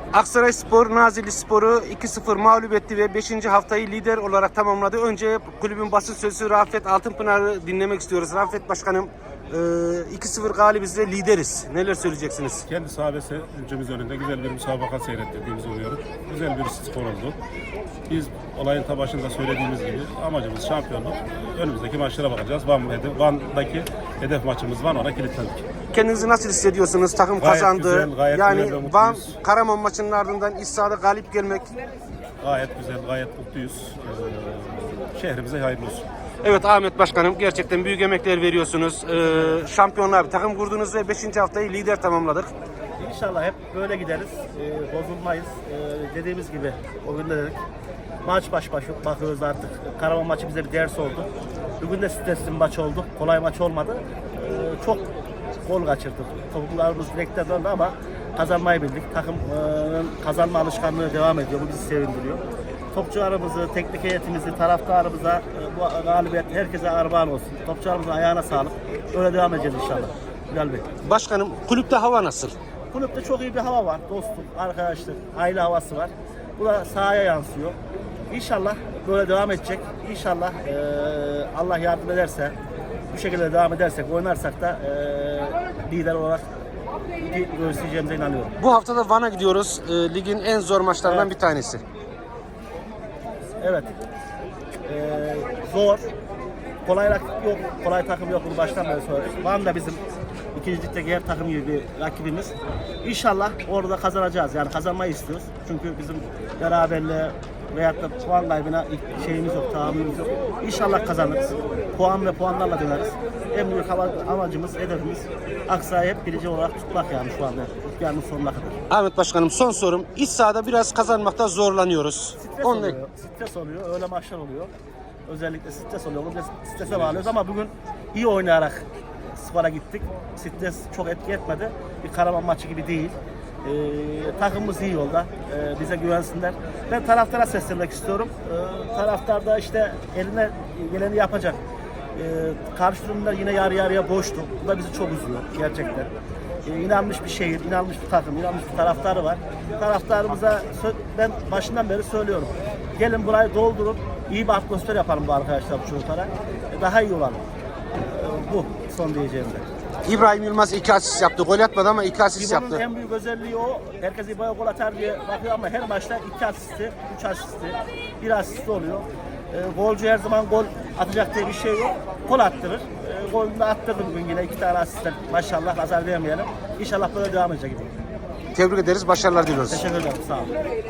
Aksaray Nazilli Spor'u 2-0 mağlup etti ve 5. haftayı lider olarak tamamladı. Önce kulübün basın sözcüsü Rafet Altınpınar'ı dinlemek istiyoruz. Rafet Başkanım, 2-0 galibiz ve lideriz. Neler söyleyeceksiniz? Kendi sahabesi ülkemiz önünde güzel bir müsabaka seyrettirdiğimizi umuyorum. Güzel bir skor oldu. Biz olayın ta başında söylediğimiz gibi amacımız şampiyonluk. Önümüzdeki maçlara bakacağız. Van'daki hedef maçımız var, ona kilitlendik. Kendinizi nasıl hissediyorsunuz? Takım Gayet kazandı. güzel, gayet yani güzel ve Van mutluyuz. Karaman maçının ardından iç sahada galip gelmek. Gayet güzel, gayet mutluyuz. Şehrimize hayırlı olsun. Evet Ahmet Başkanım, gerçekten büyük emekler veriyorsunuz. Şampiyonlar bir takım kurdunuz ve 5. haftayı lider tamamladık. İnşallah hep böyle gideriz. Bozulmayız. Dediğimiz gibi o gün de dedik. Maç baş bakıyoruz artık. Karaman maçı bize bir ders oldu. Bugün de stresli bir maç oldu. Kolay maç olmadı. Çok gol kaçırdık. Topuklarımız direkten döndü ama kazanmayı bildik. Takımın kazanma alışkanlığı devam ediyor. Bu bizi sevindiriyor. Topçularımızı, teknik heyetimizi, taraftarımıza bu galibiyet herkese armağan olsun. Topçularımızın ayağına sağlık. Öyle devam edeceğiz inşallah. Bilal Bey. Başkanım, kulüpte hava nasıl? Kulüpte çok iyi bir hava var. Dostluk, arkadaşlık, aile havası var. Bu da sahaya yansıyor. İnşallah böyle devam edecek. İnşallah Allah yardım ederse, bu şekilde devam edersek, oynarsak da lider olarak göstereceğimize inanıyorum. Bu hafta da Van'a gidiyoruz. Ligin en zor maçlarından Evet. bir tanesi. Evet. Zor. Kolay rakip yok. Kolay takım yok. Bunu baştan beri söyledik. Van da bizim ikinci ligdeki her takım gibi bir rakibimiz. İnşallah orada kazanacağız. Yani kazanmayı istiyoruz. Çünkü bizim beraberliğe veyahut da puan kaybına şeyimiz yok, tahammülümüz yok. İnşallah kazanırız. Puan ve puanlarla döneriz. En büyük amacımız, hedefimiz Aksaray'ı hep birinci olarak tutmak yani şu anda. Yani sonuna kadar. Ahmet Başkanım, son sorum. İç sahada biraz kazanmakta zorlanıyoruz. Stres oluyor, öyle maçlar oluyor. Özellikle stres oluyor. Bunu strese bağlıyoruz ama bugün iyi oynayarak spora gittik. Stres çok etki etmedi. Bir Karaman maçı gibi değil. Takımımız iyi yolda. Bize güvensinler. Ben taraftara seslenmek istiyorum. Taraftar da işte eline geleni yapacak. Karşı durumda yine yarı yarıya boştu. Bu da bizi çok üzüyor gerçekten. İnanmış bir şehir, inanmış bir takım, inanmış bir taraftarı var. Taraftarımıza ben başından beri söylüyorum. Gelin burayı doldurun, iyi bir atmosfer yapalım bu arkadaşlar, bu çocuklara. Daha iyi olalım. Bu son diyeceğim de. İbrahim Yılmaz 2 asist yaptı. Gol atmadı ama 2 asist İbo'nun yaptı. en büyük özelliği o. Herkes İbo'ya gol atar diye bakıyor ama her maçta 2 asisti, 3 asisti, 1 asisti oluyor. Golcü her zaman gol atacak diye bir şey yok. Gol attırır. Golünü de attırdı bugün yine 2 tane asistten. Maşallah nazar değmeyelim. İnşallah böyle devam edecek gibi. Tebrik ederiz. Başarılar diliyoruz. Teşekkür ederim. Sağ olun.